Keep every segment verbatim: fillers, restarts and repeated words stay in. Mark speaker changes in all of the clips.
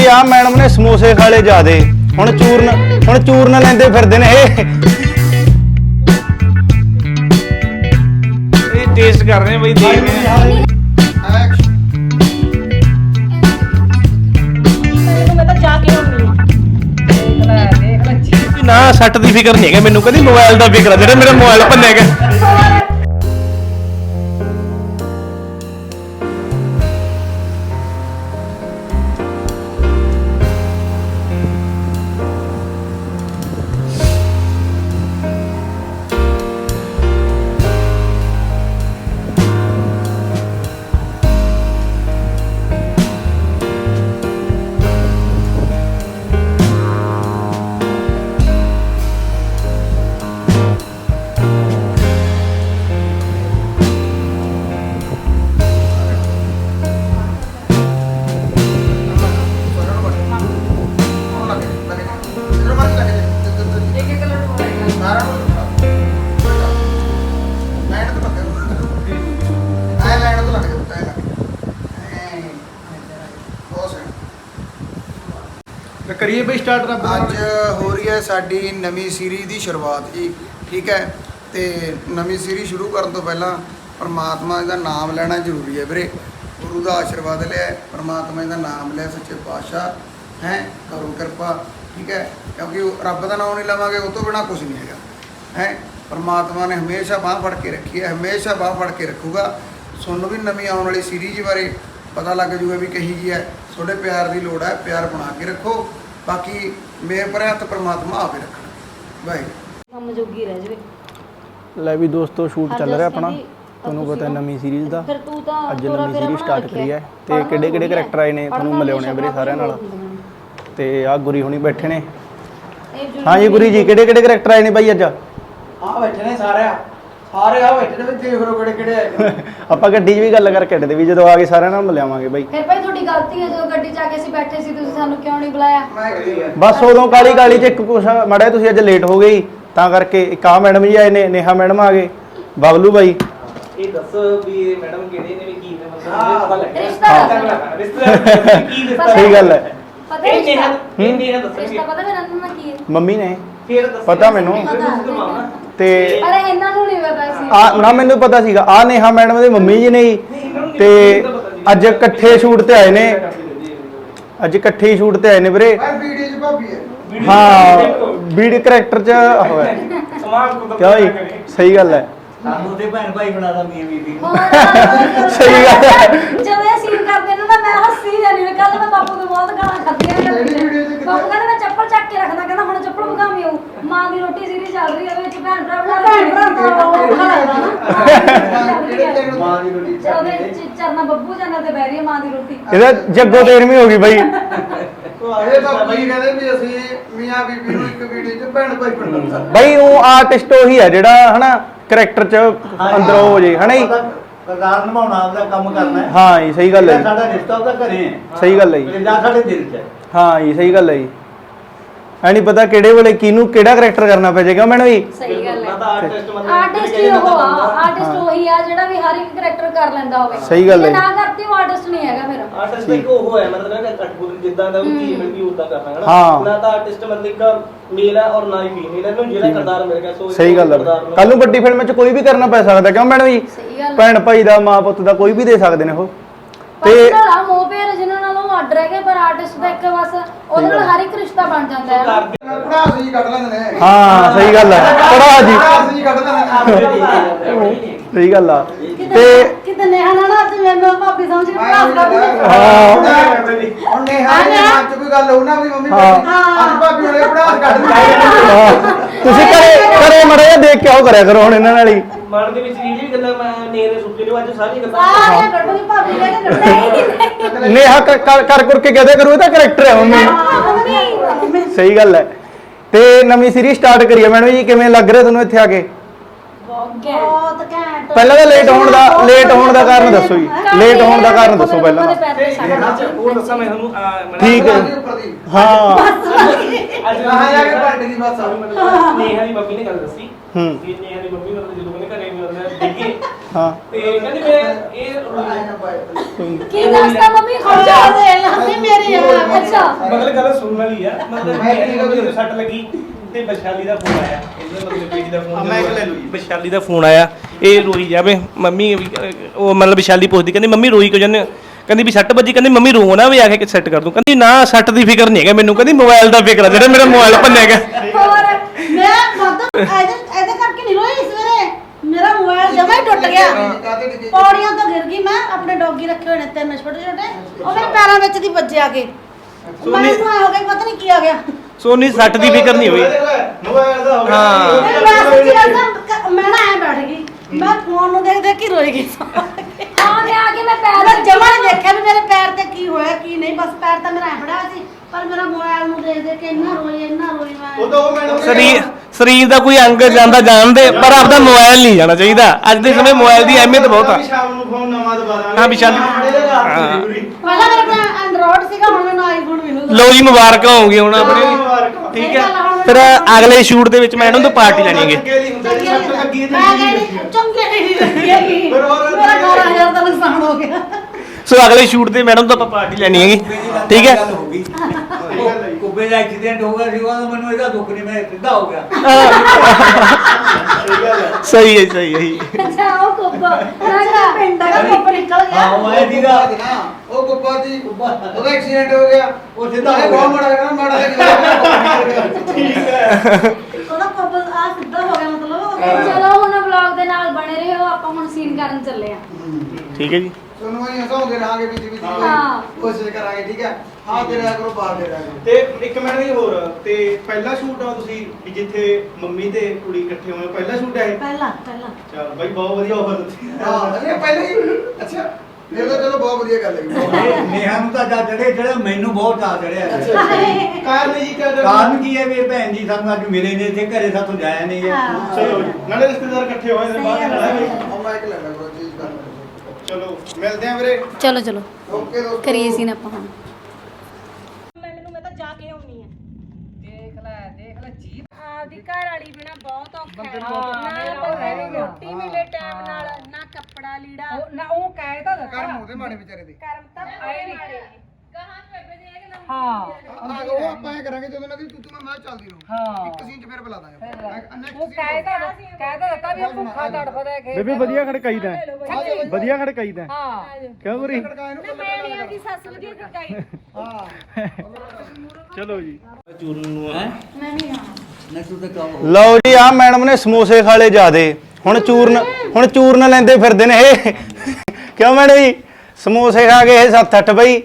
Speaker 1: ਆ ਮੈਡਮ ਨੇ ਸਮੋਸੇ ਖਾਲੇ ਜਾਦੇ ਹੁਣ ਚੂਰਨ ਹੁਣ ਚੂਰਨ ਲੈਂਦੇ ਫਿਰਦੇ ਨੇ ਇਹ
Speaker 2: ਇਹ ਟੇਸਟ ਕਰ ਰਹੇ ਆ ਬਈ ਦੇਖਦੇ ਆ
Speaker 3: ਮੈਂ ਤਾਂ ਜਾ ਕੇ ਆਉਣੀ ਦੇਖ ਲੈ ਦੇਖ ਲੈ
Speaker 2: ਨਾ ਸੱਟ ਦੀ ਫਿਕਰ ਨਹੀਂ ਹੈਗਾ ਮੈਨੂੰ ਕਦੀ ਮੋਬਾਈਲ ਦਾ ਫਿਕਰ ਆ ਜਿਹੜਾ ਮੇਰਾ ਮੋਬਾਈਲ ਭੰਨਿਆ ਗਿਆ
Speaker 1: करिए भाई स्टार्ट रब
Speaker 4: ਅੱਜ ਹੋ ਰਹੀ ਹੈ ਸਾਡੀ ਨਵੀਂ ਸੀਰੀਜ਼ ਦੀ ਸ਼ੁਰੂਆਤ ਜੀ ਠੀਕ ਹੈ ਤੇ ਨਵੀਂ ਸੀਰੀਜ਼ ਸ਼ੁਰੂ ਕਰਨ ਤੋਂ ਪਹਿਲਾਂ ਪਰਮਾਤਮਾ ਦਾ ਨਾਮ ਲੈਣਾ ਜ਼ਰੂਰੀ ਹੈ ਵੀਰੇ ਗੁਰੂ ਦਾ ਆਸ਼ੀਰਵਾਦ ਲਿਆ ਪਰਮਾਤਮਾ ਦਾ ਨਾਮ ਲਿਆ ਸੱਚੇ ਪਾਤਸ਼ਾਹ ਹੈ ਕਰੋ ਕਿਰਪਾ ਠੀਕ ਹੈ ਕਿਉਂਕਿ ਰੱਬ ਦਾ ਨਾਮ ਨਹੀਂ ਲਵਾਂਗੇ ਉਹ ਤੋਂ ਬਿਨਾ ਕੁਝ ਨਹੀਂ ਹੈਗਾ ਹੈ ਪਰਮਾਤਮਾ ਨੇ ਹਮੇਸ਼ਾ ਬਾਹ ਫੜ ਕੇ ਰੱਖੀ ਹੈ ਹਮੇਸ਼ਾ ਬਾਹ ਫੜ ਕੇ ਰੱਖੂਗਾ ਤੁਹਾਨੂੰ ਵੀ ਨਵੀਂ ਆਉਣ ਵਾਲੀ ਸੀਰੀਜ਼ ਬਾਰੇ ਪਤਾ ਲੱਗ ਜੂਗਾ ਵੀ ਕਹੀ ਜੀ ਹੈ ਤੁਹਾਡੇ ਪਿਆਰ ਦੀ ਲੋੜ ਹੈ ਪਿਆਰ ਬਣਾ ਕੇ ਰੱਖੋ ਬਾਕੀ ਮੇਰੇ ਪਰ ਹੱਥ ਪਰਮਾਤਮਾ ਆਪੇ ਰੱਖਣਾ ਬਾਈ
Speaker 3: ਕੰਮ ਜੋਗੀ ਰਹਿ ਜਵੇ
Speaker 1: ਲੈ ਵੀ ਦੋਸਤੋ ਸ਼ੂਟ ਚੱਲ ਰਿਹਾ ਆਪਣਾ ਤੁਹਾਨੂੰ ਪਤਾ ਨਵੀਂ ਸੀਰੀਜ਼ ਦਾ
Speaker 3: ਫਿਰ ਤੂੰ ਤਾਂ
Speaker 1: ਅੱਜ ਨਵੀਂ ਸੀਰੀਜ਼ ਸਟਾਰਟ ਕਰੀ ਹੈ ਤੇ ਕਿਹੜੇ ਕਿਹੜੇ ਕਰੈਕਟਰ ਆਏ ਨੇ ਤੁਹਾਨੂੰ ਮਿਲਾਉਣੇ ਆ ਵੀਰੇ ਸਾਰਿਆਂ ਨਾਲ ਤੇ ਆ ਗੁਰੀ ਹੁਣੀ ਬੈਠੇ ਨੇ ਹਾਂ ਜੀ ਗੁਰੀ ਜੀ ਕਿਹੜੇ ਕਿਹੜੇ ਕਰੈਕਟਰ ਆਏ ਨੇ ਬਾਈ ਅੱਜ
Speaker 4: ਆ ਬੈਠੇ ਨੇ ਸਾਰੇ ਸਾਰੇ ਆ ਬੈਠੇ ਨੇ ਦੇਖ ਲੋ ਕਿਹੜੇ ਕਿਹੜੇ ਆਏ
Speaker 1: ਆਪਾਂ ਗੱਡੀ 'ਚ ਵੀ ਗੱਲ ਕਰਕੇ ਹਟਦੇ ਵੀ ਜਦੋਂ ਆ ਕੇ ਸਾਰਿਆਂ ਨਾਲ ਮਿਲਾਵਾਂਗੇ ਬਾਈ
Speaker 3: ਫਿਰ ਭਾਈ ਤੁਹਾਡੀ ਗਲਤੀ ਹੈ ਜਦੋਂ ਗੱਡੀ 'ਚ ਆ ਕੇ ਅਸੀਂ ਬੈਠੇ ਸੀ ਤੁਸੀਂ ਸਾਨੂੰ ਕਿਉਂ ਨਹੀਂ ਬੁਲਾਇਆ
Speaker 4: ਮੈਂ
Speaker 1: ਬਸ ਉਦੋਂ ਕਾਲੀ ਕਾਲੀ 'ਚ ਇੱਕ ਕੁਛ ਮੜਿਆ ਤੁਸੀਂ ਅੱਜ ਲੇਟ ਹੋ ਗਈ ਤਾਂ ਕਰਕੇ ਇੱਕ ਆ ਮੈਡਮ ਜੀ ਆਏ ਨੇ ਨੇਹਾ ਮੈਡਮ ਆ ਗਏ ਬਬਲੂ ਬਾਈ
Speaker 2: ਇਹ ਦੱਸੋ ਵੀ ਮੈਡਮ ਕਿਹੜੇ ਨੇ ਵੀ ਕੀ ਨੇ ਮਤਲਬ ਪਤਾ
Speaker 3: ਰਿਸ਼ਤਾ
Speaker 2: ਰਿਸ਼ਤਾ ਕੀ ਰਿਸ਼ਤਾ
Speaker 1: ਸਹੀ ਗੱਲ ਹੈ
Speaker 3: ਪਤਾ
Speaker 2: ਇਹ ਨੇਹਾ
Speaker 3: ਰਿਸ਼ਤਾ
Speaker 2: ਇਹ ਨੇਹਾ ਦੱਸਣਗੇ
Speaker 3: ਰਿਸ਼ਤਾ ਪਤਾ ਮੇਰਾ ਨਾਮ ਕੀ ਹੈ
Speaker 1: ਮੰਮੀ ਨੇ
Speaker 2: ਫਿਰ ਦੱਸੋ
Speaker 1: ਪਤਾ ਮੈਨੂੰ ਤੇ
Speaker 3: ਪਰ ਇਹਨਾਂ ਨੂੰ ਨਹੀਂ ਪਤਾ ਸੀ
Speaker 1: ਆ ਨਾ ਮੈਨੂੰ ਪਤਾ ਸੀਗਾ ਆ ਨੇਹਾ ਮੈਡਮ ਦੇ ਮੰਮੀ ਜੀ ਨੇ ਜੀ ਤੇ ਅੱਜ ਇਕੱਠੇ ਸ਼ੂਟ ਤੇ ਆਏ ਨੇ ਅੱਜ ਇਕੱਠੇ ਹੀ ਸ਼ੂਟ ਤੇ ਆਏ ਨੇ ਵੀਰੇ
Speaker 4: ਵੀਡੀਓ ਚ ਭਾਬੀ ਹੈ
Speaker 1: ਹਾਂ ਵੀਡੀਓ ਕਰੈਕਟਰ ਚ ਹੋਇਆ
Speaker 2: ਸਮਾਨ ਕੁਦਰਤ
Speaker 1: ਕਿਉਂ ਜੀ ਸਹੀ ਗੱਲ ਹੈ
Speaker 2: ਸਾਨੂੰ ਤੇ ਭੈਣ ਭਾਈ ਬਣਾਦਾ ਮੀਆਂ ਬੀਬੀ
Speaker 1: ਸਹੀ ਗੱਲ ਹੈ
Speaker 3: ਜਦੋਂ ਇਹ ਸੀਨ ਕਰਦੇ ਨੇ ਤਾਂ ਮੈਂ ਹੱਸੀ ਜਾਂਦੀ ਹਾਂ ਕੱਲ ਮੈਂ ਬਾਪੂ ਤੋਂ ਬਹੁਤ ਗਾਲਾਂ ਖਾਧੀਆਂ ਬਾਪੂ ਕਹਿੰਦਾ ਮੈਂ ਚੱਪਲ ਚੱਕ ਕੇ ਰੱਖਦਾ ਕਹਿੰਦਾ ਹੁਣ ਚੱਪਲ ਭਗਾਵੀਂ ਆਊ ਮਾਂ ਦੀ ਰੋਟੀ ਸੀਰੀ ਚੱਲ ਰਹੀ ਹੈ ਵਿੱਚ ਭੈਣ ਭਰਾ ਭੈਣ ਭਰਾ
Speaker 4: ਮਾਂ ਦੀ ਰੋਟੀ
Speaker 3: ਉਹਦੇ ਚਰਨਾ ਬੱਬੂ ਜਾਨਾ ਤੇ ਬਹਿ ਰਹੀ ਹੈ ਮਾਂ ਦੀ ਰੋਟੀ
Speaker 1: ਇਹਦਾ ਜੱਗੋ ਤੇਰਵੀਂ ਹੋ ਗਈ ਬਾਈ
Speaker 4: ਇਹ ਭਾਬੀ ਕਹਿੰਦੇ ਵੀ ਅਸੀਂ ਮੀਆਂ ਬੀਬੀ ਨੂੰ ਇੱਕ ਵੀਡੀਓ ਚ ਭੈਣ ਭਾਈ ਬਣਾਉਂਦਾ
Speaker 1: ਬਾਈ ਉਹ ਆਰਟਿਸਟ ਉਹੀ ਹੈ ਜਿਹੜਾ ਹਨਾ ਕਰੈਕਟਰ ਚ ਅੰਦਰੋਂ ਹੋ ਜੇ ਹਨਾ ਜੀ
Speaker 5: ਕਿਰਦਾਰ ਨਿਭਾਉਣਾ ਆਪਦਾ ਕੰਮ ਕਰਨਾ ਹੈ
Speaker 1: ਹਾਂ ਜੀ ਸਹੀ ਗੱਲ ਹੈ ਜੀ
Speaker 5: ਸਾਡਾ ਰਿਸ਼ਤਾ ਉਹਦਾ ਘਰੇ ਹੈ
Speaker 1: ਸਹੀ ਗੱਲ ਹੈ ਜੀ
Speaker 5: ਜਿੰਦਾ ਸਾਡੇ ਦਿਲ 'ਚ ਹੈ
Speaker 1: ਹਾਂ ਜੀ ਸਹੀ ਗੱਲ ਹੈ ਜੀ ਐ ਨਹੀਂ ਪਤਾ ਕਿਹੜੇ ਵੇਲੇ ਕਿਹਨੂੰ ਕਿਹੜਾ ਕਰੈਕਟਰ ਕਰਨਾ ਪੈ ਜਾਏਗਾ ਮੈਨੂੰ ਜੀ
Speaker 3: ਸਹੀ ਗੱਲ ਹੈ
Speaker 2: ਤਾਂ ਆਰਟਿਸਟ ਮਤਲਬ
Speaker 3: ਆਰਟਿਸਟ ਹੀ ਉਹ ਆ ਆਰਟਿਸਟ ਉਹੀ ਆ ਜਿਹੜਾ ਵੀ ਹਰ ਇੱਕ ਕਰੈਕਟਰ ਕਰ ਲੈਂਦਾ ਹੋਵੇ
Speaker 1: ਸਹੀ ਗੱਲ ਹੈ।
Speaker 3: ਜੇ ਨਾ ਕਰਤੀ ਉਹ ਆਰਟਿਸਟ ਨਹੀਂ ਹੈਗਾ ਫਿਰ
Speaker 2: ਆਰਟਿਸਟ ਇੱਕ ਉਹ ਹੈ ਮਤਲਬ ਕਿ ਕਠਪੁਤਲੀ ਜਿੱਦਾਂ ਦਾ ਉਹ ਚੀਜ਼ ਮਿਲਦੀ ਉਦਾਂ ਕਰਨਾ ਹੈ
Speaker 1: ਹਾਂ।
Speaker 2: ਨਾ ਤਾਂ ਆਰਟਿਸਟ ਮਤਲਬ ਇੱਕ ਮੇਲ ਹੈ ਔਰ ਨਾ ਹੀ ਫੀਮੇਲ ਹੈ ਇਹਨੂੰ ਜਿਹੜਾ ਕਿਰਦਾਰ ਮਿਲ ਗਿਆ ਸੋ
Speaker 1: ਸਹੀ ਗੱਲ ਹੈ ਕੱਲ ਨੂੰ ਵੱਡੀ ਫਿਲਮ 'ਚ ਕੋਈ ਵੀ ਕਰਨਾ ਪੈ ਸਕਦਾ ਕਿਉਂ ਮੈਡਮ ਜੀ
Speaker 3: ਸਹੀ ਗੱਲ
Speaker 1: ਭੈਣ ਭਾਈ ਦਾ ਮਾਂ ਪੁੱਤ ਦਾ ਕੋਈ ਵੀ ਦੇ ਸਕਦੇ ਨੇ ਉਹ
Speaker 3: ਤੇ ਆ ਮੋਹ ਪਿਆਰ ਜਿਨ੍ਹਾਂ ਨਾਲ ਉਹ ਅੱਡ ਰਹਿ ਗਏ ਪਰ ਆਰਟਿਸਟ ਦਾ ਇੱਕ ਬਸ ਉਹਦੇ ਨਾਲ ਹਰ ਇੱਕ ਰਿਸ਼ਤਾ ਬਣ ਜਾਂਦਾ ਹੈ
Speaker 4: ਪੜਾਸ ਜੀ ਕੱਢ ਲੈਂਦੇ ਨੇ
Speaker 1: ਹਾਂ ਸਹੀ ਗੱਲ ਹੈ ਪੜਾ ਜੀ
Speaker 4: ਪੜਾਸ ਜੀ ਕੱਢ ਲੈਂਦੇ ਨੇ
Speaker 1: ਸਹੀ ਗੱਲ ਆ
Speaker 3: ਤੇ ਕਿਤੇ ਨੇਹਾ ਨਾਲ ਅੱਜ ਮੈਨੂੰ ਭਾਬੀ ਸਮਝ ਕੇ ਪੜਾਸ ਕਰ ਦਿੰਦੇ
Speaker 1: ਹਾਂ
Speaker 4: ਹੁਣ ਨੇਹਾ ਦੇ ਮਨ ਚ ਕੋਈ ਗੱਲ ਹੋਣਾ ਵੀ ਮੰਮੀ ਅੱਜ ਭਾਬੀ ਹੁਣੇ ਪੜਾਸ ਕੱਢ ਲੈਂਦੇ
Speaker 1: ਹਾਂ ਤੁਸੀਂ ਘਰੇ ਘਰੇ ਮੜੇ ਦੇਖ ਕੇ ਆਓ ਕਰਿਆ ਕਰੋ ਹੁਣ ਇਹਨਾਂ ਨਾਲ ਹੀ
Speaker 2: ਮਨ ਦੇ ਵਿੱਚ ਜਿਹੜੀ ਵੀ ਗੱਲਾਂ ਮੈਂ ਨੇਰੇ ਸੁੱਕੇ ਨੇ ਅੱਜ ਸਾਰੀ ਗੱਲਾਂ
Speaker 3: ਸਾਰੇ ਕੱਢੂਗੀ ਭਾਬੀ ਲੈ ਕੇ ਕੱਢੇ
Speaker 1: ਨੇਹਾ ਕਰ ਕਰ ਕਰਕੇ ਕਹਦੇ ਕਰੂ ਇਹ ਤਾਂ ਕਰੈਕਟਰ ਹੈ ਮੰਮੀ ਸਹੀ ਗੱਲ ਹੈ ਤੇ ਨਵੀਂ ਸੀਰੀਜ਼ ਸਟਾਰਟ ਕਰੀ ਹੈ ਮੈਡਮ ਜੀ ਕਿਵੇਂ ਲੱਗ ਰਿਹਾ ਤੁਹਾਨੂੰ ਇੱਥੇ ਆ ਕੇ
Speaker 3: ਬਹੁਤ ਘੈਂਟ
Speaker 1: ਪਹਿਲਾਂ ਤਾਂ ਲੇਟ ਹੋਣ ਦਾ ਲੇਟ ਹੋਣ ਦਾ ਕਾਰਨ ਦੱਸੋ ਜੀ ਲੇਟ ਹੋਣ ਦਾ ਕਾਰਨ ਦੱਸੋ ਪਹਿਲਾਂ
Speaker 2: ਉਹ ਦੱਸਾਂ ਮੈਂ ਤੁਹਾਨੂੰ
Speaker 1: ਠੀਕ ਹੈ ਹਾਂ
Speaker 2: ਅੱਜ
Speaker 4: ਕਹਾਂ ਜਾ ਕੇ ਪਲਟ ਗਈ ਬਸ
Speaker 2: ਨੇਹਾ ਦੀ ਮੰਮੀ ਨੇ ਗੱਲ ਦੱਸੀ
Speaker 1: ਹੂੰ
Speaker 2: ਕਿ ਨੇਹਾ ਦੀ ਮੰਮੀ ਮਤਲਬ ਜਦੋਂ ਕਹਿੰਦੇ ਘਰੇ ਵੀ ਮਤਲਬ ਦੇਖੀ
Speaker 1: ਹਾਂ
Speaker 2: ਤੇ ਕਹਿੰਦੀ ਮੈਂ ਇਹ
Speaker 3: ਕੀ ਦੱਸਦਾ ਮੰਮੀ ਖੋਜਾ ਦੇ ਲੱਗੀ ਮੇਰੀ ਅੱਛਾ
Speaker 2: ਮਤਲਬ ਗੱਲ ਸੁਣਨ ਵਾਲੀ ਆ ਮਤਲਬ ਮੈਨੂੰ ਸੱਟ ਲੱਗੀ ਤੇ ਵਿਸ਼ਾਲੀ ਦਾ ਫੋਨ ਆਇਆ ਇਹਦਾ ਮਤਲਬ ਬੇਟੀ ਦਾ ਫੋਨ
Speaker 1: ਮੈਂ ਲੈ ਲੂ ਜੀ।
Speaker 2: ਵਿਸ਼ਾਲੀ ਦਾ ਫੋਨ ਆਇਆ ਇਹ ਰੋਈ ਜਾਵੇ ਮੰਮੀ ਵੀ, ਅਹ, ਉਹ ਮਤਲਬ ਵਿਸ਼ਾਲੀ ਪੁੱਛਦੀ ਕਹਿੰਦੀ ਮੰਮੀ ਰੋਈ ਕਿਉਂ ਜਾਂਦੇ ਹੋ? ਕਹਿੰਦੀ ਵੀ ਸੱਟ ਵੱਜੀ ਕਹਿੰਦੀ ਮੰਮੀ ਰੋ ਨਾ ਵੀ ਆ ਕੇ ਸੈੱਟ ਕਰ ਦੂੰ ਕਹਿੰਦੀ ਨਾ ਸੱਟ ਦੀ ਫਿਕਰ ਨਹੀਂ ਹੈਗਾ ਮੈਨੂੰ ਕਹਿੰਦੀ ਮੋਬਾਈਲ ਦਾ ਫਿਕਰ ਆ ਜਿਹੜਾ ਮੇਰਾ ਮੋਬਾਈਲ ਭੰਨਿਆ ਗਿਆ
Speaker 3: ਹੋਰ
Speaker 6: ਮੈਂ ਮਤਲਬ ਇਹਦੇ ਇਹਦੇ ਕਰਕੇ ਨਹੀਂ ਰੋਈ ਸਵੇਰੇ ਮੇਰਾ ਮੋਬਾਈਲ ਜਮਾ ਹੀ ਟੁੱਟ ਗਿਆ ਪੌੜੀਆਂ ਤੋਂ ਗਿਰ ਗਈ ਮੈਂ ਆਪਣੇ ਡੌਗੀ ਰੱਖੇ ਹੋਏ ਨੇ ਤਿੰਨ ਛੋਟੇ ਛੋਟੇ ਉਹ ਮੇਰੇ ਪੈਰਾਂ ਵਿੱਚ ਦੀ ਵੱਜੇ ਆ ਕੇ ਮੈਨੂੰ ਆ ਹੋ ਗਿਆ ਪਤਾ ਨਹੀਂ ਕੀ ਆ ਗਿਆ
Speaker 2: ਸੋਨੀ ਸੱਟ ਦੀ ਫਿਕਰ ਨਹੀਂ ਹੋਈ
Speaker 1: ਮੋਬਾਈਲ ਦਾ ਹੋ ਗਿਆ
Speaker 2: ਹਾਂ
Speaker 6: ਮੈਂ ਸੱਚੀ ਦੱਸਾਂ ਮੈਂ ਨਾ ਐ ਬੈਠ ਗਈ ਮੈਂ ਫੋਨ ਨੂੰ ਦੇਖ ਦੇਖ ਕੇ ਰੋਈ ਗਈ
Speaker 3: ਹਾਂ ਮੈਂ ਆ ਕੇ ਮੈਂ ਪੈਰ
Speaker 6: ਮੈਂ ਜਮਾ ਨਹੀਂ ਦੇਖਿਆ ਵੀ ਮੇਰੇ ਪੈਰ ਤੇ ਕੀ ਹੋਇਆ ਕੀ ਨਹੀਂ ਬਸ ਪੈਰ ਤਾਂ ਮੇਰਾ ਐ ਫੜਿਆ ਸੀ ਪਰ ਮੇਰਾ ਮੋਬਾਈਲ ਨੂੰ ਦੇਖ ਦੇਖ ਕੇ ਇੰਨਾ ਰੋਈ ਇੰਨਾ ਰੋਈ ਮੈਂ
Speaker 1: ਉਹ ਤਾਂ ਉਹ ਮੈਡਮ
Speaker 2: ਸਰੀਰ ਸਰੀਰ ਦਾ ਕੋਈ ਅੰਗ ਜਾਂਦਾ ਜਾਣਦੇ ਪਰ ਆਪਦਾ ਮੋਬਾਈਲ ਨਹੀਂ ਜਾਣਾ ਚਾਹੀਦਾ ਅੱਜ ਦੇ ਸਮੇਂ ਮੋਬਾਈਲ ਦੀ ਅਹਿਮੀਅਤ ਬਹੁਤ ਆ
Speaker 1: ਸ਼ਾਮ ਨੂੰ ਫੋਨ ਨਵਾਂ ਦਵਾ ਦਾਂਗੇ
Speaker 2: ਹਾਂ, ਵਿਸ਼ਾਲੀ।
Speaker 1: ਹਾਂ
Speaker 6: ਪਹਿਲਾਂ ਮੇਰੇ ਕੋਲ ਐਂਡਰੋਇਡ ਸੀਗਾ ਹੁਣ ਮੈਨੂੰ ਆਈਫੋਨ ਮਿਲੂਗਾ
Speaker 2: ਲੋ ਜੀ ਮੁਬਾਰਕਾਂ ਹੋਣਗੀਆਂ ਹੁਣ ਆਪਣੀ ਠੀਕ ਹੈ ਫਿਰ ਅਗਲੇ ਸ਼ੂਟ ਦੇ ਵਿੱਚ ਮੈਡਮ ਤੋਂ ਪਾਰਟੀ ਲੈਣੀ ਹੈਗੀ
Speaker 6: ਮੈਂ ਕਹਿੰਦੀ ਚੰਗੇ ਨਹੀਂ ਲੱਗੀ ਹੈਗੀ ਮੇਰਾ ਅਠਾਰਾਂ ਹਜ਼ਾਰ ਦਾ ਨੁਕਸਾਨ ਹੋ ਗਿਆ
Speaker 2: ਸੋ ਅਗਲੇ ਸ਼ੂਟ ਤੇ ਮੈਡਮ ਤੋਂ ਆਪਾਂ ਪਾਰਟੀ ਲੈਣੀ ਹੈਗੀ ਠੀਕ ਹੈ
Speaker 5: ਕੁੱਬੇ ਦਾ ਐਕਸੀਡੈਂਟ ਹੋ ਗਿਆ ਸੀ ਉਹ ਮੈਨੂੰ ਇਹਦਾ ਦੁੱਖ ਨਹੀਂ ਮੈਂ ਸਿੱਧਾ ਹੋ ਗਿਆ
Speaker 2: ਸਹੀ ਹੈ ਸਹੀ ਹੈ
Speaker 3: ਅੱਛਾ ਉਹ ਕੋਕੋ
Speaker 6: ਅੱਛਾ ਪਿੰਡ ਦਾ ਕੋਪ ਨਿਕਲ ਗਿਆ
Speaker 5: ਹਾਂ ਉਹ ਇਹ ਸੀਗਾ
Speaker 4: ਉਹ ਗੁੱਪਾ ਜੀ ਉਹਦਾ ਐਕਸੀਡੈਂਟ ਹੋ ਗਿਆ
Speaker 5: ਉਹ ਸਿੱਧਾ ਹੋ
Speaker 4: ਬਹੁਤ
Speaker 5: ਗਿਆ
Speaker 4: ਮਾੜਾ ਹੈਗਾ ਮਾੜਾ ਹੈਗਾ
Speaker 6: ਉਹਦਾ ਕੋਪ ਆ ਸਿੱਧਾ ਹੋ ਗਿਆ ਮਤਲਬ
Speaker 3: ਚਲੋ ਹੁਣ ਵਲੌਗ ਦੇ ਨਾਲ ਬਣੇ ਰਹੋ ਆਪਾਂ ਹੁਣ ਸੀਨ ਕਰਨ ਚੱਲੇ ਆ
Speaker 2: ਠੀਕ ਹੈ ਜੀ
Speaker 4: ਤੁਹਾਨੂੰ ਅਸੀਂ ਹਸਾਉਂਦੇ ਰਹਾਂਗੇ ਵਿੱਚ ਵਿੱਚ
Speaker 3: ਹਾਂ।
Speaker 4: ਕੋਸ਼ਿਸ਼ ਕਰਾਂਗੇ ਠੀਕ ਹੈ ਹਾਂ ਦੇ ਰਿਹਾ ਕਰੋ ਬਾਹਰ ਦੇ ਰਿਹਾ ਕਰੋ
Speaker 1: ਤੇ ਇੱਕ ਮਿੰਟ ਨਹੀਂ ਹੋਰ ਤੇ ਪਹਿਲਾ ਸ਼ੂਟ ਆ ਤੁਸੀਂ ਵੀ ਜਿੱਥੇ ਮੰਮੀ ਤੇ ਕੁੜੀ ਇਕੱਠੇ ਹੋਏ ਪਹਿਲਾ ਸ਼ੂਟ ਹੈ ਇਹ?
Speaker 6: ਪਹਿਲਾਂ ਪਹਿਲਾਂ
Speaker 1: ਚਲ ਬਾਈ ਬਹੁਤ ਵਧੀਆ ਆਫਰ ਦਿੱਤੀ
Speaker 4: ਹਾਂ ਇਹ ਪਹਿਲੇ ਹੀ ਅੱਛਾ ਫਿਰ ਤਾਂ ਚਲੋ ਬਹੁਤ ਵਧੀਆ ਗੱਲ ਹੈ ਬਹੁਤ
Speaker 5: ਨੇਹਾ ਨੂੰ ਤਾਂ ਜਾ ਚੜੇ ਜਿਹੜਾ ਮੈਨੂੰ ਬਹੁਤ ਆ ਚੜਿਆ
Speaker 1: ਕਾਰਨ ਜੀ ਕਿਆ
Speaker 5: ਕਾਰਨ ਕੀ ਹੈ ਵੀ ਇਹ ਭੈਣ ਜੀ ਸਾਨੂੰ ਅੱਜ ਮਿਲੇ ਨੇ ਇੱਥੇ ਘਰੇ ਸਾਥੋਂ ਜਾਇਆ ਨਹੀਂ ਹੈ
Speaker 6: ਹਾਂ।
Speaker 1: ਚਲੋ ਜੀ ਨਾਲੇ ਰਿਸ਼ਤੇਦਾਰ ਇਕੱਠੇ ਹੋਏ ਨੇ ਬਾਹਰ ਜਾਣਾ
Speaker 4: ਉਹ ਮਾਈਕ ਲੈ ਲੈ ਕਰੋ ਚੀਜ਼ ਕਰ
Speaker 1: ਚਲੋ ਮਿਲਦੇ ਆਂ ਵੀਰੇ
Speaker 3: ਚਲੋ ਚਲੋ
Speaker 4: ਓਕੇ ਦੋਸਤੋ
Speaker 3: ਕਰੀਏ ਸੀਨ ਆਪਾਂ ਹੁਣ
Speaker 6: ਮੈਨੂੰ ਮੈਂ ਤਾਂ ਜਾ ਕੇ ਆਉਣੀ ਆ
Speaker 7: ਦੇਖ ਲੈ ਦੇਖ ਲੈ ਜੀ
Speaker 6: ਆਪਦੀ ਘਰ ਵਾਲੀ ਬਿਨਾ ਬਹੁਤ ਔਖਾ ਹੈ ਨਾ ਕੋਈ ਰੋਟੀ ਮਿਲੇ ਟਾਈਮ ਨਾਲ ਨਾ ਕੱਪੜਾ ਲੀੜਾ
Speaker 7: ਉਹ ਨਾ ਉਹ ਕਹਿ ਤਾਂ ਦਿੱਤਾ
Speaker 4: ਕਰਮ ਉਹਦੇ ਮਾੜੇ ਵਿਚਾਰੇ ਦੇ
Speaker 6: ਕਰਮ ਤਾਂ
Speaker 7: ਆਏ ਨੀ।
Speaker 6: ਗਾਹਾਂ ਬੇਬੇ ਦੇ ਇਹ ਨਾ
Speaker 7: ਹਾਂ
Speaker 4: ਆਹ ਉਹ ਆਪਾਂ ਇਹ ਕਰਾਂਗੇ ਜਦੋਂ ਨਦੀ ਤੂੰ ਤੂੰ ਮੈਂ ਮੈਂ ਚੱਲਦੀ ਰਹੂ
Speaker 7: ਹਾਂ।
Speaker 4: ਇੱਕ ਸੀਨ ਚ ਫਿਰ ਬੁਲਾ ਦਾਂਗੇ
Speaker 7: ਉਹ ਕਹਿ ਤਾਂ ਕਹਿ ਤਾਂ ਦਿੱਤਾ ਵੀ ਉਹ ਭੁੱਖਾ ਤੜਫਦਾ ਹੈ ਖੇਤ
Speaker 1: ਬੇਬੀ ਵਧੀਆ ਖੜਕਾਈਦਾ ਵਧੀਆ ਖੜਕਾਈਦਾ
Speaker 7: ਹਾਂ
Speaker 1: ਕਿਉਂ ਗੁਰੀ
Speaker 6: ਮੈਂ ਦੀ ਸੱਸ ਵਧੀਆ ਕਰਕਾਈ
Speaker 1: ਚਲੋ ਜੀ
Speaker 2: ਚੂਰਨ ਨੂੰ ਹੈ
Speaker 6: ਮੈਂ ਵੀ ਹਾਂ
Speaker 5: ਨਾ ਤੂੰ ਤਾਂ ਕਹੋ
Speaker 1: ਲਓ ਜੀ ਆ ਮੈਡਮ ਨੇ ਸਮੋਸੇ ਖਾਲੇ ਜਾਦੇ ਹੁਣ ਚੂਰਨ ਹੁਣ ਚੂਰਨ ਲੈਂਦੇ ਫਿਰਦੇ ਨੇ ਇਹ ਕਿਉਂ ਮੈਡਮ ਜੀ ਸਮੋਸੇ ਖਾ ਗਏ ਇਹ ਸੱਤ ਅੱਠ ਬਈ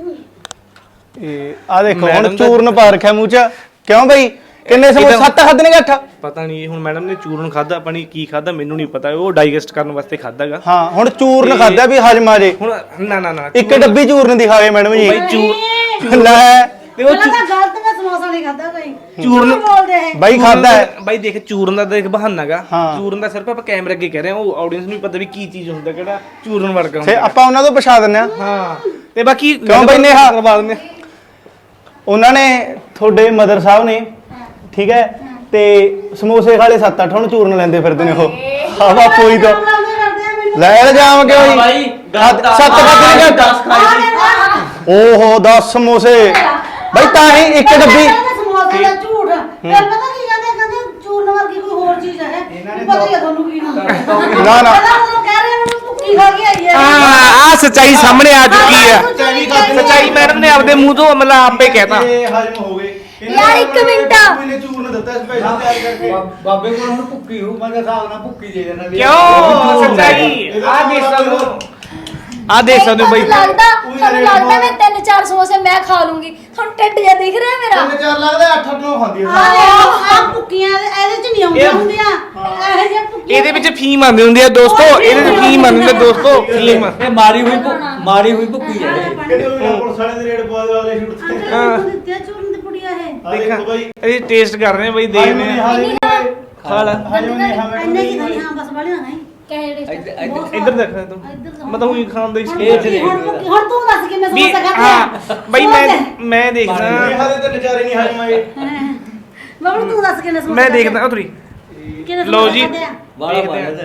Speaker 1: ਇਹ ਆ ਦੇਖੋ ਹੁਣ
Speaker 2: ਮੈਡਮ ਤਾਂ-
Speaker 1: ਚੂਰਨ ਪਾ ਰੱਖਿਆ ਮੂੰਹ ਚ ਕਿਉਂ ਬਈ ਕਿੰਨੇ ਸਮੋਸੇ ਸੱਤ ਖਾਦੇ ਨੇ ਅੱਠ
Speaker 2: ਪਤਾ ਨਹੀਂ ਹੁਣ ਮੈਡਮ ਨੇ ਚੂਰਨ ਖਾਦਾ ਪਾਣੀ ਕੀ ਖਾਦਾ ਮੈਨੂੰ ਨਹੀਂ ਪਤਾ ਉਹ ਡਾਈਜੈਸਟ ਕਰਨ ਵਾਸਤੇ ਖਾਦਾਗਾ
Speaker 1: ਹਾਂ ਹੁਣ ਚੂਰਨ ਖਾਦਾ ਵੀ ਹਜਮ ਆ ਜੇ
Speaker 2: ਹੁਣ ਨਾ ਨਾ ਨਾ
Speaker 1: ਇੱਕ ਡੱਬੀ ਚੂਰਨ ਦੀ ਖਾ ਗਏ ਮੈਡਮ ਜੀ
Speaker 2: ਬਈ ਚੂਰ
Speaker 1: ਲੈ
Speaker 2: ਤੇ ਉਹ
Speaker 6: ਪਹਿਲਾਂ ਤਾਂ ਗਲਤ ਮੈਂ ਸਮੋਸਾ ਨਹੀਂ ਖਾਦਾ ਕੋਈ
Speaker 2: ਚੂਰਨ
Speaker 6: ਝੂਠ ਬੋਲਦੇ ਇਹ
Speaker 1: ਬਾਈ ਖਾਦਾ ਹੈ
Speaker 2: ਬਾਈ ਦੇਖ ਚੂਰਨ ਦਾ ਦੇਖ ਬਹਾਨਾਗਾ
Speaker 1: ਹਾਂ।
Speaker 2: ਚੂਰਨ ਦਾ ਸਿਰਫ ਆਪਾਂ ਕੈਮਰੇ ਅੱਗੇ ਕਹਿ ਰਹੇ ਹਾਂ ਉਹ ਆਡੀਅנס ਨੂੰ ਵੀ ਪਤਾ ਵੀ ਕੀ ਚੀਜ਼ ਹੁੰਦਾ ਕਿਹੜਾ ਚੂਰਨ ਵਰਗਾ
Speaker 1: ਫੇ
Speaker 2: ਹੁੰਦਾ
Speaker 1: ਆਪਾਂ ਉਹਨਾਂ ਤੋਂ ਪਛਾ ਦਿੰਨੇ ਆ
Speaker 2: ਹਾਂ ਤੇ ਬਾਕੀ
Speaker 1: ਕਿਉਂ ਬਈ ਨੇਹਾ?
Speaker 2: ਕਰਵਾ ਦਿੰਦੇ
Speaker 1: ਉਹਨਾਂ ਨੇ ਤੁਹਾਡੇ ਮਦਰ ਸਾਹਿਬ ਨੇ ਠੀਕ ਹੈ ਤੇ ਸਮੋਸੇ ਖਾਲੇ ਸੱਤ ਅੱਠ ਹੁਣ ਚੂਰਨ ਲੈਂਦੇ ਫਿਰਦੇ ਨੇ ਉਹ ਹਾਂ ਬਾਪੂ ਹੀ ਤਾਂ
Speaker 6: ਬੁਲਾਉਂਦੇ ਕਰਦੇ ਆ ਮੈਨੂੰ
Speaker 1: ਲੈ ਇਲਜ਼ਾਮ ਕਿਉਂ ਜੀ
Speaker 5: ਬਾਈ
Speaker 1: ਸੱਤ ਖਾਦੇ ਨੇ
Speaker 5: ਦਸ ਖਾਈ
Speaker 1: ਓਹੋ ਦਸ ਸਮੋਸੇ ਬਈ ਤਾਂ ਹੀ ਇੱਕ ਡੱਬੀ
Speaker 6: ਸਮੋਸੇ ਦਾ ਝੂਠ ਫਿਰ ਪਤਾ ਕੀ ਕਹਿੰਦੇ ਕਹਿੰਦੇ ਚੂਰਨ ਵਰਗੀ ਕੋਈ ਹੋਰ ਚੀਜ਼ ਹੈ ਵੀ ਪਤਾ ਹੀ ਆ ਤੁਹਾਨੂੰ ਕੀ ਨਾਮ
Speaker 1: ਨਾ ਨਾ
Speaker 6: ਪਹਿਲਾਂ ਉਹ ਕਹਿ ਰਹੇ ਮੈਨੂੰ ਭੁੱਖੀ ਖਾ ਕੇ ਆਈ ਹੈ
Speaker 2: ਹਾਂ ਆ ਸੱਚਾਈ ਸਾਹਮਣੇ ਆ ਚੁੱਕੀ ਆ
Speaker 6: ਸੱਚਾਈ ਖਾਧੀ
Speaker 2: ਸੱਚਾਈ ਮੈਡਮ ਨੇ ਆਪਦੇ ਮੂੰਹ ਤੋਂ ਮਤਲਬ ਆਪੇ ਕਹਿਤਾ
Speaker 1: ਇਹ ਹਜਮ ਹੋ ਗਏ
Speaker 3: ਯਾਰ ਇੱਕ ਮਿੰਟ।
Speaker 1: ਮੈਨੇ ਚੂਰਨ ਦਿੱਤਾ ਸਪੈਸ਼ਲ ਤਿਆਰ ਕਰਕੇ
Speaker 5: ਬਾਬੇ ਕੋਲ ਹੁਣ ਭੁੱਕੀ ਹੋ ਮੈਂ ਤਾਂ ਹਿਸਾਬ ਨਾਲ ਭੁੱਕੀ ਦੇ ਦੇਣਾ ਵੀ
Speaker 2: ਕਿਉਂ ਸੱਚਾਈ ਆ ਦੇਖ ਸਕਦੇ ਹੋ ਆ ਦੇਖ ਸਕਦੇ ਹੋ ਬਾਈ
Speaker 3: ਤੁਹਾਨੂੰ ਲੱਗਦਾ ਤੁਹਾਨੂੰ ਲੱਗਦਾ ਮੈਂ ਤਿੰਨ ਚਾਰ ਸਮੋਸੇ ਮੈਂ ਖਾ ਲੂੰਗੀ ਤੁਹਾਨੂੰ ਢਿੱਡ ਜਿਹਾ ਦਿਖ ਰਿਹਾ ਮੇਰਾ
Speaker 1: ਤਿੰਨ ਚਾਰ ਲੱਗਦਾ ਅੱਠ ਅੱਠ ਨੂੰ ਖਾਂਦੀ
Speaker 6: ਆ
Speaker 1: ਆ
Speaker 6: ਆ ਭੁੱਕੀਆਂ ਇਹਦੇ ਚ ਨਹੀਂ ਆਉਂਦੀਆਂ ਹੁੰਦੀਆਂ ਇਹੋ ਜਿਹੇ ਭੁੱਕੀਆਂ
Speaker 2: ਇਹਦੇ ਵਿੱਚ ਫੀਮ ਆਉਂਦੀ ਹੁੰਦੀ ਆ ਦੋਸਤੋ ਇਹਦੇ ਵਿੱਚ ਫੀਮ ਆਉਂਦੀ ਹੁੰਦੀ ਆ ਦੋਸਤੋ ਫੀਮ
Speaker 5: ਇਹ ਮਾਰੀ ਹੋਈ ਭੁੱਕ- ਮਾਰੀ ਹੋਈ ਭੁੱਕੀ ਹੈ ਇਹ।
Speaker 1: ਕਿਹੜੇ ਉਹ ਪੁਲਿਸ ਵਾਲੇ ਦੇ ਰੇਡ ਪਵਾ ਵਾਲੇ ਸ਼ੂਟ ਤੇ
Speaker 6: ਹਾਂ ਦਿੱਤੇ ਚੂਰਨ ਦੀ ਕੁੜੀਆਂ ਇਹ
Speaker 1: ਆ ਦੇਖੋ ਬਾਈ
Speaker 2: ਇਹ ਟੇਸਟ ਕਰ ਰਹੇ ਆ ਬਾਈ ਦੇਖਦੇ ਆ ਖਾ ਲੈ
Speaker 1: ਹਜਮ ਨਹੀਂ ਹਾਂ
Speaker 6: ਇੰਨੇ ਕੀ ਨਹੀਂ ਹਾਂ ਬਸ ਬੜੀਆਂ ਨਹੀਂ
Speaker 3: ਕਹੇ ਜਿਹੜੇ
Speaker 5: ਇੱਧਰ- ਇੱਧਰ-
Speaker 2: ਇੱਧਰ ਦੇਖ ਤੂੰ
Speaker 6: ਇੱਧਰ
Speaker 2: ਮੈਂ ਤਾਂ ਉਹੀ ਖਾਣ ਦਾ ਹੀ
Speaker 6: ਹੁਣ
Speaker 2: ਸ਼ੌਕੀਨ
Speaker 6: ਭੁੱਕੀ- ਹੁਣ ਭੁੱਕੀ- ਹੁਣ ਤੂੰ ਦੱਸ ਕਿਵੇਂ
Speaker 2: ਵੀ
Speaker 6: ਸਮੋਸਾ ਖਾਧਾ
Speaker 2: ਹਾਂ ਬਈ ਮੈਂ ਮੈਂ ਦੇਖਦਾ
Speaker 1: ਨੇਹਾ ਦੇ ਤੇ ਨਜ਼ਾਰੇ ਨਹੀਂ ਹਜਮ ਆਏ
Speaker 6: ਬਾਬੂ ਤੂੰ ਦੱਸ ਕਿਵੇਂ ਸਮੋਸਾ
Speaker 2: ਮੈਂ ਦੇਖਦਾ ਉਤਰੀ
Speaker 6: ਕਿਵੇਂ
Speaker 2: ਲਓ ਜੀ
Speaker 6: ਖਾਧੇ ਆ?
Speaker 5: ਬਾਲਾ
Speaker 2: ਦੇਖਦੇ ਆ।
Speaker 5: ਬਾਲਾ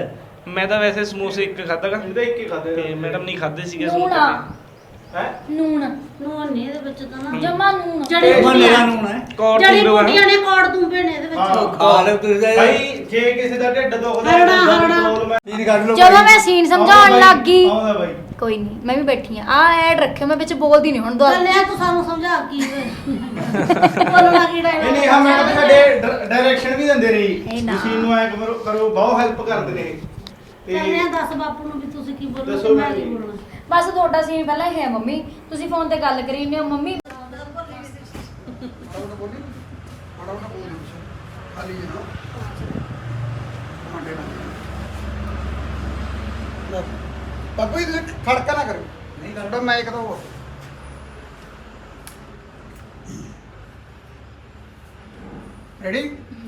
Speaker 2: ਮੈਂ ਤਾਂ ਵੈਸੇ ਸਮੋਸੇ ਇੱਕ ਖਾਦਾਗਾ
Speaker 1: ਇਹਦਾ ਇੱਕ ਹੀ ਖਾਦੇ
Speaker 2: ਤੇ ਮੈਡਮ ਨਹੀਂ ਖਾਦੇ ਸੀਗੇ
Speaker 3: ਨੂਣ
Speaker 2: ਸਮੋਸੇ
Speaker 3: ਆ
Speaker 1: ਹੈ
Speaker 3: ਨੂਣ
Speaker 6: ਨੂਨ ਨਹੀਂ ਇਹਦੇ ਵਿੱਚ ਤਾਂ ਨਾ
Speaker 3: ਜਮਾ ਨੂਣ
Speaker 6: ਜੜੀ
Speaker 5: ਉਹ
Speaker 6: ਬੂਟੀਆਂ
Speaker 5: ਮੇਰਾ ਨੂਣ ਹੈ
Speaker 2: ਕੌੜ
Speaker 6: ਜੜੀ
Speaker 2: ਤੂੰ
Speaker 6: ਬੂਟੀਆਂ ਨੇ ਕੌੜ ਤੁੰਬੇ ਨੇ ਇਹਦੇ ਵਿੱਚ
Speaker 1: ਹਾਂ।
Speaker 5: ਖਾ ਲੈ ਤੁਸੀਂ ਤਾਂ
Speaker 1: ਭਾਈ ਜੇ ਕਿਸੇ ਦਾ ਢਿੱਡ ਦੁਖਦਾ
Speaker 6: ਹਰੜਾ,
Speaker 1: ਦੰਦਾਂ ਦੀ
Speaker 6: ਹਰੜਾ।
Speaker 1: ਪ੍ਰੋਬਲਮ ਹੈ
Speaker 5: ਤੀਨ ਕੱਢ ਲਓ
Speaker 3: ਜਦੋਂ ਮੈਂ ਸੀਨ ਸਮਝਾਉਣ
Speaker 1: ਆਉਂਦਾ
Speaker 3: ਲੱਗ ਗਈ
Speaker 1: ਆਉਂਦਾ ਬਾਈ
Speaker 3: ਕੋਈ ਨਹੀਂ ਮੈਂ ਵੀ ਬੈਠੀ ਆ ਆ ਐਡ ਰੱਖਿਓ ਮੈਂ ਵਿੱਚ ਬੋਲਦੀ ਨਹੀਂ ਹੁਣ ਦੁਆ
Speaker 6: ਚੱਲਿਆ ਤੂੰ ਸਾਨੂੰ ਸਮਝਾ ਕੀ ਬੋਲਣਾ ਕੀ
Speaker 1: ਨਹੀਂ
Speaker 6: ਡਾਇਲੋਗ
Speaker 1: ਨਹੀਂ ਹਾਂ ਮੈਡਮ ਸਾਡੇ ਡਾਇਰੈਕਸ਼ਨ ਵੀ ਦਿੰਦੇ ਨੇ
Speaker 3: ਇਹ
Speaker 1: ਜੀ
Speaker 3: ਨਾ।
Speaker 1: ਮਸ਼ੀਨ ਨੂੰ ਐ ਕਰੋ ਕਰੋ ਬਹੁਤ ਹੈਲਪ ਕਰਦੇ ਨੇ ਤੇ
Speaker 6: ਚੱਲਿਆ ਦੱਸ ਬਾਪੂ ਨੂੰ ਵੀ ਤੁਸੀਂ ਕੀ ਬੋਲਣਾ
Speaker 1: ਦੱਸੋ
Speaker 6: ਤੇ ਮੈਂ
Speaker 1: ਭੈਣ
Speaker 6: ਕੀ
Speaker 1: ਜੀ।
Speaker 6: ਬੋਲਣਾ
Speaker 3: ਬਸ ਤੁਹਾਡਾ ਸੀਨ ਪਹਿਲਾਂ ਹੀ ਹੈ ਮੰਮੀ ਤੁਸੀਂ ਫੋਨ ਤੇ ਗੱਲ ਕਰੀ ਜਾਂਦੇ ਹੋ ਮੰਮੀ
Speaker 4: ਫਟਾਫਟ ਬੋਲੀ ਫਟਾਫਟ ਬੋਲੀ ਖਾਲੀ ਜਨਾ ਟਮਾਟੇ ਨਾਲ ਬਾਬੂ ਜੀ ਤੁਸੀਂ ਖੜਕਾ ਨਾ ਕਰੋ ਨਹੀਂ ਤੁਹਾਡਾ ਮੈਂ ਇੱਕ ਤਾਂ ਹੋਰ ਰੈਡੀ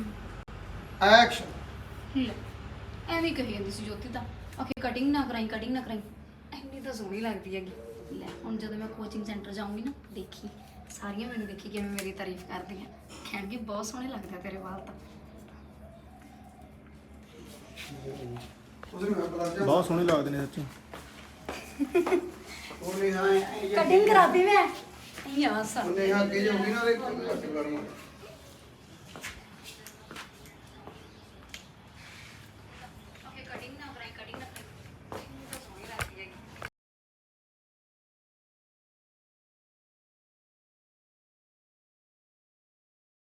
Speaker 4: ਐਕਸ਼ਨ
Speaker 3: ਲੈ ਐਵੇਂ ਕਹੀ ਜਾਂਦੀ ਸੀ ਜੋਤੀ ਤਾਂ ਆਖੇ ਕਟਿੰਗ ਨਾ ਕਰਾਈ ਕਟਿੰਗ ਨਾ ਕਰਾਈ ਐਨੀ ਤਾਂ ਸੋਹਣੀ ਲੱਗਦੀ ਹੈਗੀ ਲੈ ਹੁਣ ਜਦੋਂ ਮੈਂ ਕੋਚਿੰਗ ਸੈਂਟਰ ਜਾਊਂਗੀ ਨਾ ਦੇਖੀ ਸਾਰੀਆਂ ਮੈਨੂੰ ਦੇਖੀ ਕਿਵੇਂ ਮੇਰੀ ਤਾਰੀਫ ਕਰਦੀਆਂ ਕਹਿਣਗੇ ਬਹੁਤ ਸੋਹਣੇ ਲੱਗਦੇ ਆ ਤੇਰੇ ਵਾਲ ਤਾਂ
Speaker 4: ਉਧਰ ਮੈਂ ਬੁਲਾ ਜਾ
Speaker 1: ਬਹੁਤ ਸੋਹਣੇ ਲੱਗਦੇ ਨੇ ਸੱਚੀ
Speaker 4: ਉਹ ਨਹੀਂ ਹਾਂ
Speaker 3: ਕਟਿੰਗ ਕਰਾਤੀ ਮੈਂ ਇਹ ਆ ਸਾ
Speaker 4: ਉਹਨੇ ਹਾਂ ਕੀ ਹੋਗੀ ਨਾ ਉਹਦੇ ਕੱਟ ਕਰਨਾ